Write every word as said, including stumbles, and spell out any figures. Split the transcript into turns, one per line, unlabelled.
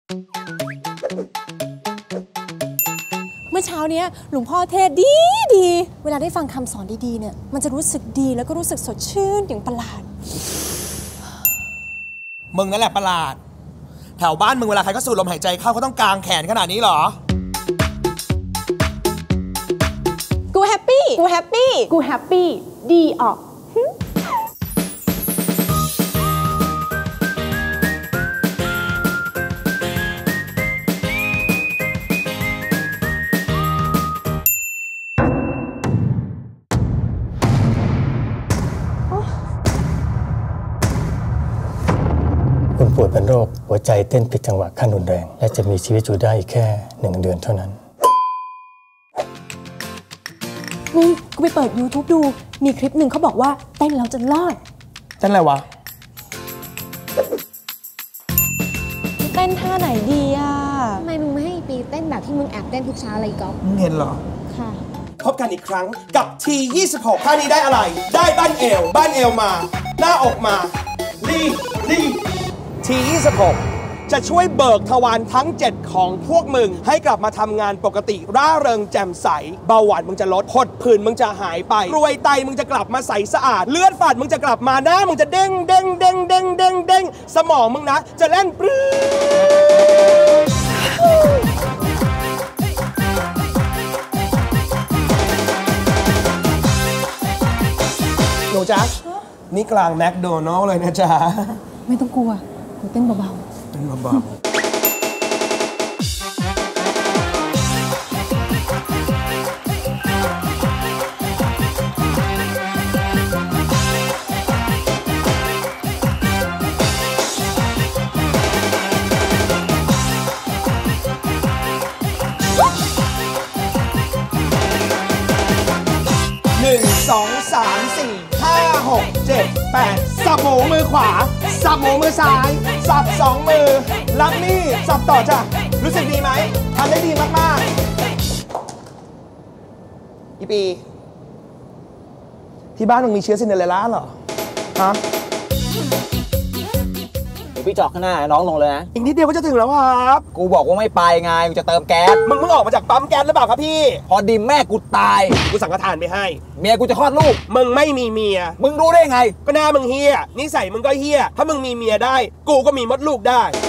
เมื่อเช้านี้หลวงพ่อเทศดีดีเวลาได้ฟังคำสอนดีๆเนี่ยมันจะรู้สึกดีแล้วก็รู้สึกสดชื่นอย่างประหลาด
มึงนั่นแหละประหลาดแถวบ้านมึงเวลาใครก็สูดลมหายใจเข้าเขาต้องกางแขนขนาดนี้เหรอ
กูแฮปปี้กูแฮปปี้กูแฮปปี้ดีออก
คุณป่วยเป็นโรคหัวใจเต้นผิดจังหวะขั้นรุนแรงและจะมีชีวิตอยู่ได้แค่หนึ่งเดือนเท่านั้น
มึงกูไปเปิด ยูทูบ ดูมีคลิปหนึ่งเขาบอกว่าเต้นแล้วจะรอด
เต้นอะไรวะ
เต้นท่าไหนดีอ่ะ
ทำไมมึงไม่ให้ปีเต้นแบบที่มึงแอบเต้นทุกเช้าอะไรก๊อฟ
มึงเห็นเหรอ
ค่ะ
พบกันอีกครั้งกับ ที ยี่สิบหก ท่านี้ได้อะไรได้บ้านเอวบ้านเอวมาหน้าอกมาลีลีที ยี่สิบหก จะช่วยเบิกทวารทั้งเจ็ดของพวกมึงให้กลับมาทำงานปกติร่าเริงแจ่มใสเบาหวานมึงจะลดผดผื่นมึงจะหายไปรวยไตมึงจะกลับมาใสสะอาดเลือดฝาดมึงจะกลับมาหน้ามึงจะเด้งเด้งเด้งเด้งเด้งเด้งสมองมึงนะจะเล่นปรื้หนูจ๊ะนี่กลางแมคโดนัลล์เลยนะจ๊ะ
ไม่ต้องกลัวกูเต้นเบา
ๆเต้นเบาๆหนึ่งสองสามสี่ห้าหกเจ็ดแปดสับหมูมือขวาสับหมูมือซ้ายสับสองมือรับนี่สับต่อจ้ะรู้สึกดีไหมทำได้ดีมากๆอีปีที่บ้านมึงมีเชื้อซินเดอเรลล่าเหรอฮะ
พี่จอกข้างหน้าน้องลงเลยนะ
อีกนิดเดียวก็จะถึงแล้วครับ
กูบอกว่าไม่ไปไงกูจะเติมแก๊ส
มึงเพิ่งออกมาจากปั๊มแก๊สหรือเปล่าครับพี่
พอดีแม่กูตาย
กูสั่งกระทานไปให้
เมียกูจะคลอดลูก
มึงไม่มีเมีย
มึงรู้ได้ไง
ก็หน้ามึงเฮี้ยนิสัยมึงก็เฮี้ยถ้ามึงมีเมียได้กูก็มีมดลูกได้